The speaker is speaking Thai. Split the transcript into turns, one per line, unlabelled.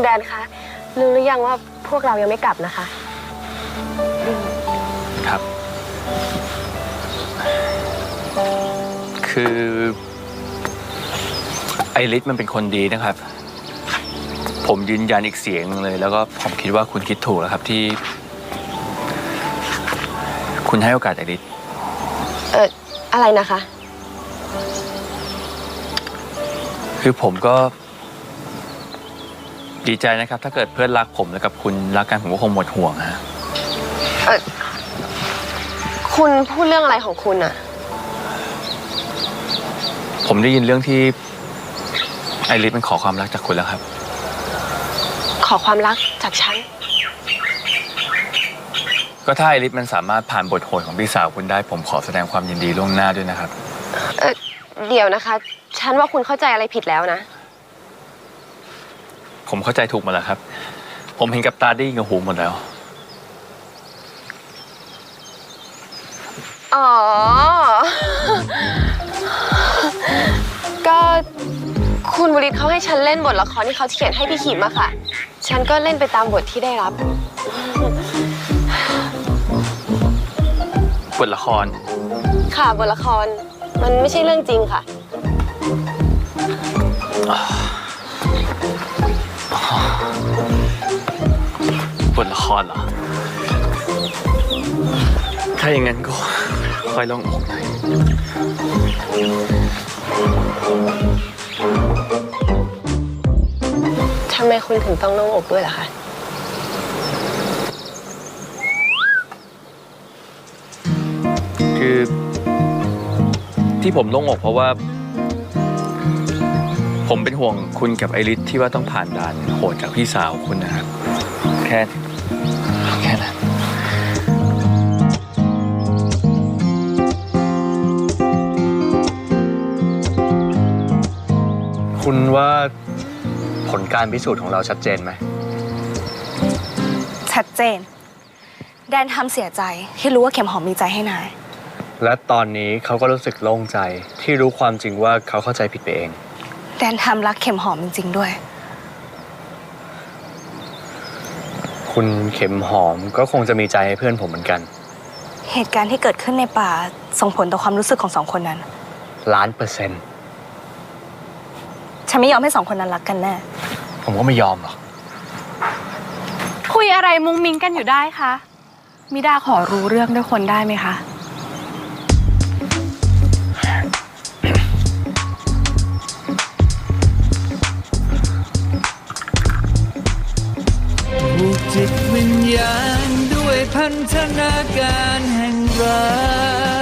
แดนคะรู้หรือยังว่าพวกเรายังไม่กลับนะคะ
ครับคือไอริสมันเป็นคนดีนะครับ ผมยืนยันอีกเสียงนึงเลยแล้วก็ผมคิดว่าคุณคิดถูกแล้วครับที่คุณให้โอกาสไอริส
อะไรนะคะ
คือผมก็ดีใจนะครับถ้าเกิดเพื่อนรักผมแล้วกับคุณรักกันผมก็คงหมดห่วงฮะ
คุณพูดเรื่องอะไรของคุณอะ
ผมได้ยินเรื่องที่ไอริสมันขอความรักจากคุณแล้วครับ
ขอความรักจากฉัน
ก็ถ้าไอริสมันสามารถผ่านบทโหดของพี่สาวคุณได้ผมขอแสดงความยินดีล่วงหน้าด้วยนะครับ
เดี๋ยวนะคะฉันว่าคุณเข้าใจอะไรผิดแล้วนะ
ผมเข้าใจถูกหมดแล้วครับผมเห็นกับตาได้ยินกับหูหมดแล้ว
อ๋อก็คุณบุริศเขาให้ฉันเล่นบทละครที่เขาเขียนให้พี่ขิมอะค่ะฉันก็เล่นไปตามบทที่ได้รับบ
ทละคร
ค่ะบทละครมันไม่ใช่เรื่องจริงค่ะ
บทละครเหรอถ้าอย่างนั้นก็ค่อยลองอกหน่อย
ทำไมคุณถึงต้องโล่งอกด้วยล่ะคะ
คือที่ผมโล่งอกเพราะว่าผมเป็นห่วงคุณกับไอริสที่ว่าต้องผ่านด่านโหดจากพี่สาวคุณนะครับแค่นั้นคุณว่าผลการพิสูจน์ของเราชัดเจนไหม
ชัดเจนแดนทำเสียใจที่รู้ว่าเข็มหอมมีใจให้นาย
และตอนนี้เขาก็รู้สึกโล่งใจที่รู้ความจริงว่าเขาเข้าใจผิดไปเอง
แดนทำรักเข็มหอมจริงๆด้วย
คุณเข็มหอมก็คงจะมีใจให้เพื่อนผมเหมือนกัน
เหตุการณ์ที่เกิดขึ้นในป่าส่งผลต่อความรู้สึกของสองคนนั้น
1,000,000%
ฉันไม่ยอมให้สองคนนั้นรักกันแน่
ผมก็ไม่ยอมหรอก
คุยอะไรมุ้งมิ้งกันอยู่ได้คะมิดาขอรู้เรื่องด้วยคนได้ไหมคะ
ผูกจิตวิญญาณด้วยพันธนาการแห่งรัก